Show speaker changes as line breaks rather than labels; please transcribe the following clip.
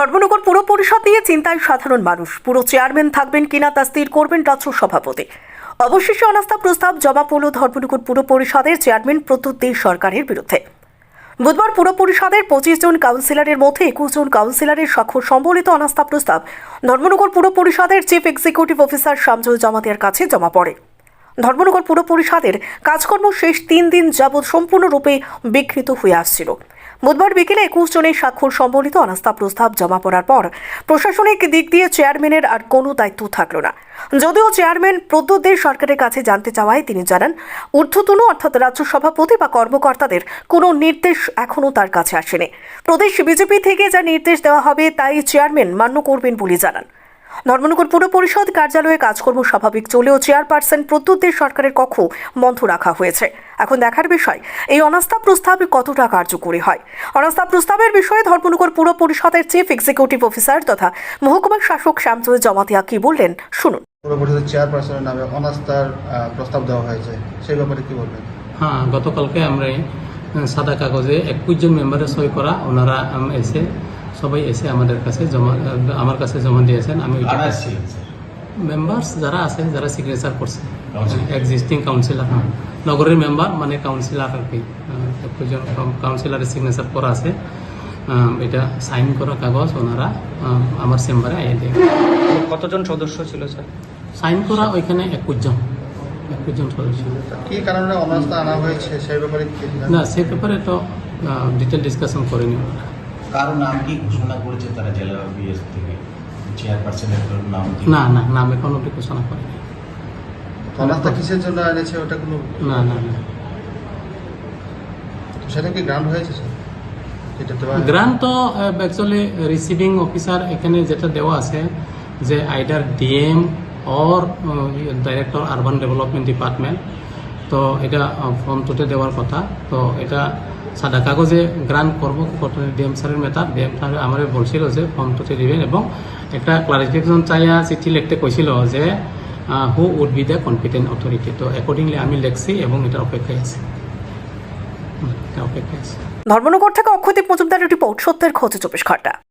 ধর্মনগর পুর পরিষদ নিয়ে চিন্তায় সাধারণ মানুষ। পুরো চেয়ারম্যান থাকবেন কিনা তা স্থির করবেন রাজ্য সভাপতি। অবশেষে অনাস্থা প্রস্তাব জমা পড়ল ধর্মনগর পুর পরিষদের চেয়ারম্যান প্রদ্যুৎ দে সরকারের বিরুদ্ধে। বুধবার পুর পরিষদের 25 জন কাউন্সিলরের মধ্যে 21 জন কাউন্সিলরের স্বাক্ষর সম্বলিত অনাস্থা প্রস্তাব ধর্মনগর পুর পরিষদের চিফ এক্সিকিউটিভ অফিসার শামসুল জামাতিয়ার কাছে জমা পড়ে। ধর্মনগর পুর পরিষদের কাজকর্ম শেষ 3 দিন যাবৎ সম্পূর্ণরূপে বিঘ্নিত হয়ে আসছিল। বুধবার বিকেলে 21 জনের স্বাক্ষর সম্বলিত অনাস্থা প্রস্তাব জমা পড়ার পর প্রশাসনিক দিক দিয়ে চেয়ারম্যানের আর কোনো দায়িত্ব থাকলো না। যদিও চেয়ারম্যান প্রদ্যুৎ দে সরকারের কাছে জানতে চাওয়ায় তিনি জানান, ঊর্ধ্বতন অর্থাৎ রাজ্য সভাপতি বা কর্মকর্তাদের কোনো নির্দেশ এখনও তার কাছে আসেনি। প্রদেশ বিজেপি থেকে যা নির্দেশ দেওয়া হবে তাই চেয়ারম্যান মান্য করবেন বলে জানান। ধর্মনগর পুর পরিষদ কার্যালয়ে কাজকর্ম স্বাভাবিক চলেও চেয়ারপারসন প্রদ্যুৎ দে সরকারের কক্ষ বন্ধ রাখা হয়েছে। এখন দেখার বিষয় এই অনাস্থা প্রস্তাব কতটা কার্যকরী হয়। অনাস্থা প্রস্তাবের বিষয়ে ধর্মনগর পুর পরিষদের চিফ এক্সিকিউটিভ অফিসার তথা মহকুমা শাসক শামসুল জামাতিয়া কি বললেন শুনুন।
পুর পরিষদের চেয়ারপারসনের নামে অনাস্থার প্রস্তাব দেওয়া হয়েছে, সেই ব্যাপারে কি বলবেন?
হ্যাঁ, গতকালকে আমরা সাদা কাগজে 21 জন মেম্বারের সই করা ওনারা সবাই এসে আমার কাছে জমা দিয়েছেন। আমি মেম্বার্স যারা আছে যারা সিগনেচার করছে এক্সিস্টিং কাউন্সিলর, নগরের মেম্বার মানে কাউন্সিলর আর কি 21 জন কাউন্সিলরের সিগনেচার করা আছে। এটা সাইন করা কাগজ ওনারা আমার চেম্বারে আইয়ে দেয়।
কতজন সদস্য ছিল স্যার?
সাইন করা ওইখানে 21 জন সদস্য।
কি কারণে অনাস্থা আনা হয়েছে সেই ব্যাপারে
না, সেই ব্যাপারে তো ডিটেল ডিসকাশন করেনি।
কারো নাম কি ঘোষণা করেছে তারা জেলা বিএস থেকে? চেয়ারপারসনের নাম
না না, নাম এখন অব্দি ঘোষণা করেনি।
অনাস্থা কিসের জন্য এনেছে ওটা কোনো
না না না,
সেটা কি গ্রান্ট হয়েছে স্যার?
গ্রান্ট তো অ্যাকচুয়ালি রিসিভিং অফিসার এখানে যেটা দেওয়া আছে যে either DM or director urban development department, তো এটা ফর্ম 2-তে দেওয়ার কথা। তো এটা সাদা কাগজে গ্রান্ট করবো ডিএম স্যারের মেটার। ডিএম স্যার আমার বলছিল যে ফর্ম 2-তে দিবেন এবং একটা ক্লারিফিকেশন চাইয়া চিঠি লিখতে কইছিল যে who would be the competent authority. তো অ্যাকর্ডিংলি আমি লিখছি এবং এটার অপেক্ষায় আছে।
ধর্মনগর থেকে অক্ষয়দীপ মজুমদারের রিপোর্ট, সত্যের খোঁজে 24 ঘন্টা।